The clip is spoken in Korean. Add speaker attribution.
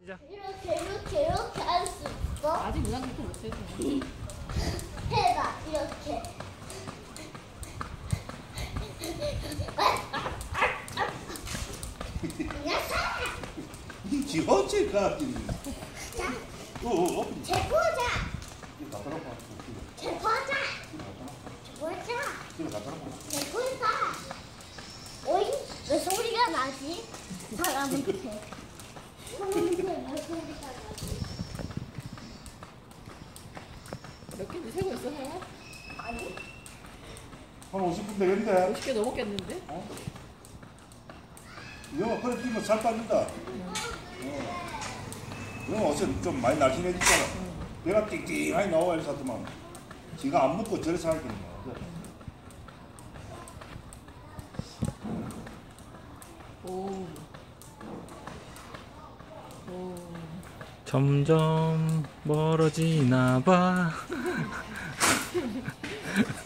Speaker 1: 이렇게 할 수 있어?
Speaker 2: 아직 누나 그렇게 못해서.
Speaker 1: 해봐 이렇게.
Speaker 3: 지 어째가
Speaker 1: 자,
Speaker 3: 어
Speaker 1: 제보자.
Speaker 3: 이거 갖다 놓고
Speaker 1: 제보자. 제보자.
Speaker 3: 이거 갖다 놓고
Speaker 1: 제보자. 어이? 왜 소리가 나지? 사람한테. 사람한테 왜 소리가 나지?
Speaker 2: 몇 개인지 세고 있어, 해?
Speaker 1: 아니?
Speaker 3: 한 50분 되겠는데?
Speaker 2: 50개 넘었겠는데?
Speaker 3: 영어 그래 뛰면 살 빠진다. 영어 어제 좀 많이 날씬해졌잖아. 내가 띵띵하게 나와 이래서 하더만 지가 안 먹고 저래 살겠네.
Speaker 2: 오.
Speaker 4: 점점 멀어지나 봐.